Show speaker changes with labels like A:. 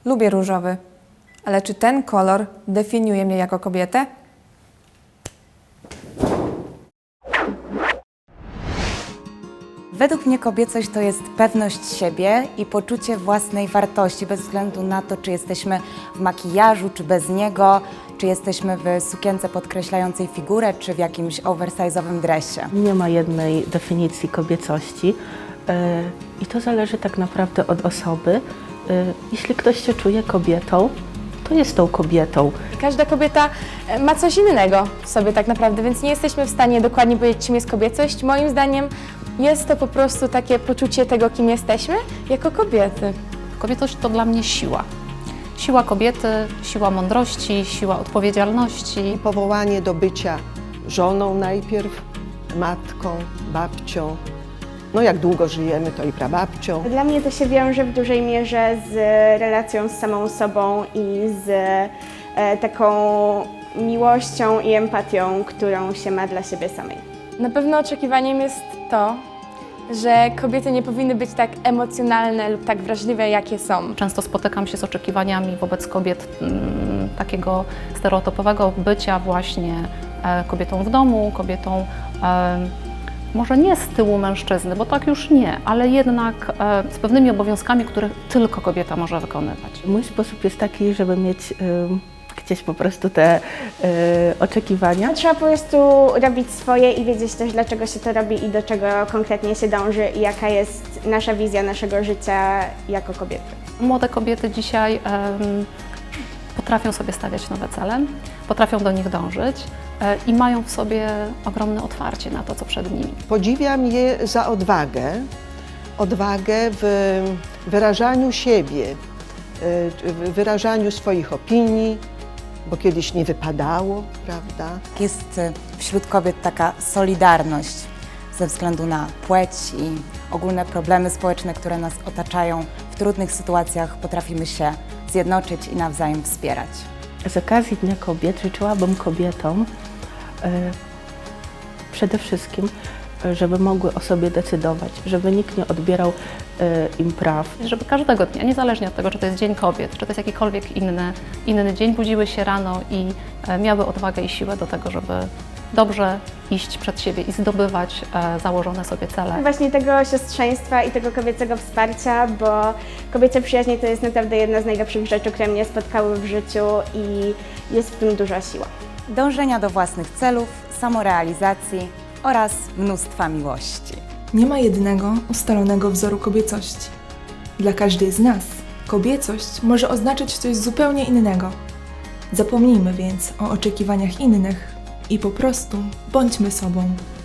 A: Lubię różowy, ale czy ten kolor definiuje mnie jako kobietę?
B: Według mnie kobiecość to jest pewność siebie i poczucie własnej wartości, bez względu na to, czy jesteśmy w makijażu, czy bez niego, czy jesteśmy w sukience podkreślającej figurę, czy w jakimś oversize'owym dresie.
C: Nie ma jednej definicji kobiecości i to zależy tak naprawdę od osoby. Jeśli ktoś się czuje kobietą, to jest tą kobietą.
D: Każda kobieta ma coś innego w sobie tak naprawdę, więc nie jesteśmy w stanie dokładnie powiedzieć, czym jest kobiecość. Moim zdaniem jest to po prostu takie poczucie tego, kim jesteśmy jako kobiety.
E: Kobiecość to dla mnie siła. Siła kobiety, siła mądrości, siła odpowiedzialności.
F: Powołanie do bycia żoną najpierw, matką, babcią. No jak długo żyjemy, to i prababcią.
G: Dla mnie to się wiąże w dużej mierze z relacją z samą sobą i z taką miłością i empatią, którą się ma dla siebie samej.
D: Na pewno oczekiwaniem jest to, że kobiety nie powinny być tak emocjonalne lub tak wrażliwe, jakie są.
E: Często spotykam się z oczekiwaniami wobec kobiet takiego stereotypowego bycia właśnie kobietą w domu, kobietą może nie z tyłu mężczyzny, bo tak już nie, ale jednak z pewnymi obowiązkami, które tylko kobieta może wykonywać.
C: Mój sposób jest taki, żeby mieć gdzieś po prostu te oczekiwania.
G: Trzeba po prostu robić swoje i wiedzieć też, dlaczego się to robi i do czego konkretnie się dąży i jaka jest nasza wizja naszego życia jako kobiety.
E: Młode kobiety dzisiaj potrafią sobie stawiać nowe cele, potrafią do nich dążyć i mają w sobie ogromne otwarcie na to, co przed nimi.
F: Podziwiam je za odwagę, odwagę w wyrażaniu siebie, w wyrażaniu swoich opinii, bo kiedyś nie wypadało, prawda?
B: Jest wśród kobiet taka solidarność ze względu na płeć i ogólne problemy społeczne, które nas otaczają. W trudnych sytuacjach potrafimy się zjednoczyć i nawzajem wspierać.
C: Z okazji Dnia Kobiet życzyłabym kobietom przede wszystkim, żeby mogły o sobie decydować, żeby nikt nie odbierał im praw.
E: Żeby każdego dnia, niezależnie od tego, czy to jest Dzień Kobiet, czy to jest jakikolwiek inny dzień, budziły się rano i miały odwagę i siłę do tego, żeby dobrze iść przed siebie i zdobywać założone sobie cele.
G: Właśnie tego siostrzeństwa i tego kobiecego wsparcia, bo kobiece przyjaźnie to jest naprawdę jedna z najlepszych rzeczy, które mnie spotkały w życiu i jest w tym duża siła.
B: Dążenia do własnych celów, samorealizacji oraz mnóstwa miłości.
H: Nie ma jednego ustalonego wzoru kobiecości. Dla każdej z nas kobiecość może oznaczać coś zupełnie innego. Zapomnijmy więc o oczekiwaniach innych i po prostu bądźmy sobą.